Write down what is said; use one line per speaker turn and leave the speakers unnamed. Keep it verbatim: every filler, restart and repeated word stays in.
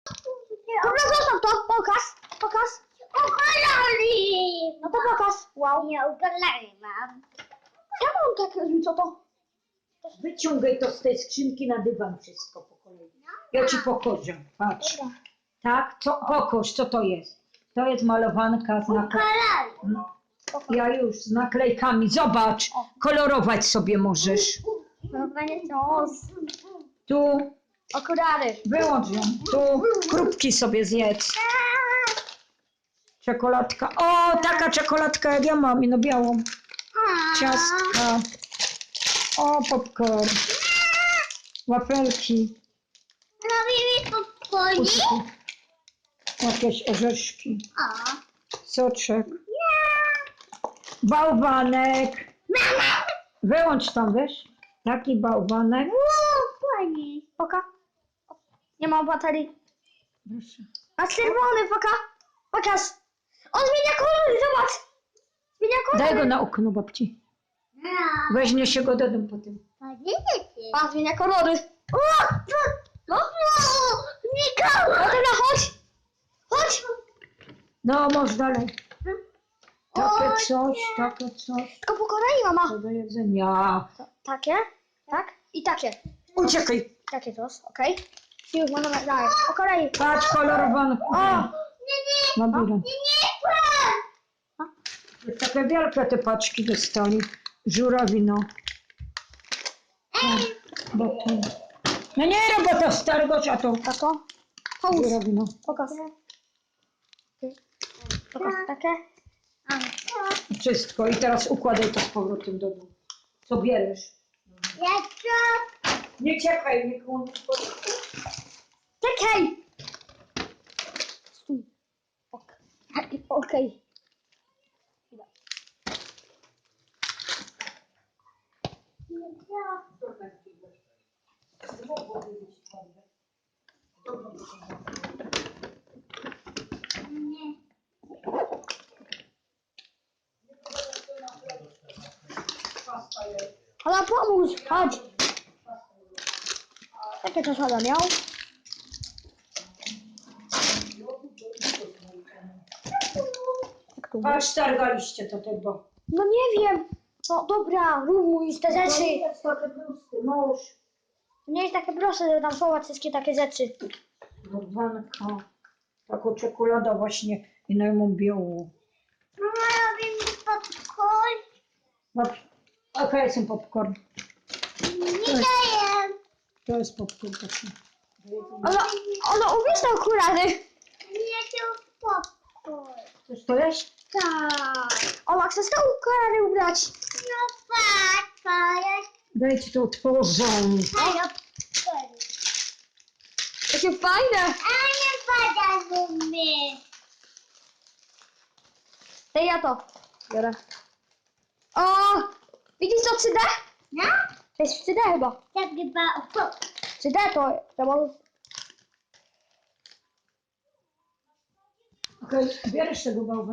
Dobra, zostaw to, pokaż, pokaż.
Okolali!
No to pokaż, wow.
Nie, okolali mam.
Ja mam takie, co to?
Wyciągaj to z tej skrzynki na dywan wszystko po kolei. Ja ci pokażę, patrz.
Dobra.
Tak, co, pokaż, co to jest. To jest malowanka z naklejkami.
Okolali.
Ja już z naklejkami, zobacz, kolorować sobie możesz.
No będzie to.
Tu,
Okulary.
wyłącz ją, tu krupki sobie zjedz. Czekoladka, o, taka czekoladka jak ja mam, no białą. Ciastka. O, popcorn. Wafelki.
Robimy popcornie?
Puszki. Jakieś orzeszki.
O.
Soczek. Bałwanek. Wyłącz tam, wiesz? Taki bałwanek.
O, pani.
Poka. Nie ma baterii.
Proszę.
A czerwony, poka. Pokaż. On zmienia kolory, zobacz. Zmienia kolory.
Daj go na okno, babci.
No.
Weźmie się go do domu potem.
Podzielicie.
A, zmienia kolory. O,
No, Niko!
no dobra, chodź. Chodź.
No, możesz dalej. Takie coś, takie coś.
Tylko po kolei, mama.
To do jedzenia.
To, takie, tak? I takie.
Uciekaj.
Takie to, okej. Okay. Już mamy dalej. Po kolei.
Patrz, kolorowane.
O,
Nie, nie,
Labirynt.
nie, nie, pan!
Takie wielkie te paczki dostali. Żurawino.
Ej!
Bo to... No nie robota starego czatu.
tako. Połóż.
Żurawino.
Pokaż. Pokaż takie.
A,
Wszystko. I teraz układaj to z powrotem do domu. Co bierzesz?
jeszcze?
Nie czekaj, nie kłóć.
Czekaj. Stój. Ok. Okej.
Nie.
Ale pomóż, chodź. Jakie to sada miał? Jak tu?
Patrz, targaliście to tego.
No nie wiem. No dobra, rumuj te rzeczy.
jest takie tłusty, mąż.
To nie jest takie proste, żeby tam schować wszystkie takie rzeczy.
Bałwanka. Taką czekoladę właśnie i na ją białą.
Mama, robimy popcorn?
Dobrze. Okej, jest popcorn.
Nie daję.
To jest popcorn taki.
Ale, ale ubierz te okulary.
Nie chcę popcorn.
Chcesz to jeść?
Tak.
Ola, chcesz te okulary ubrać?
No papa, ja
Dajcie to otworzą.
chcę popcorn.
Jakie fajne.
A nie pada zumy.
Daj ja to. Biorę. O! Widzisz to trzy D?
No?
To jest trzy D chyba.
Tak chyba o.
trzy D to... to może...
Okej, bierzesz tego bałwana.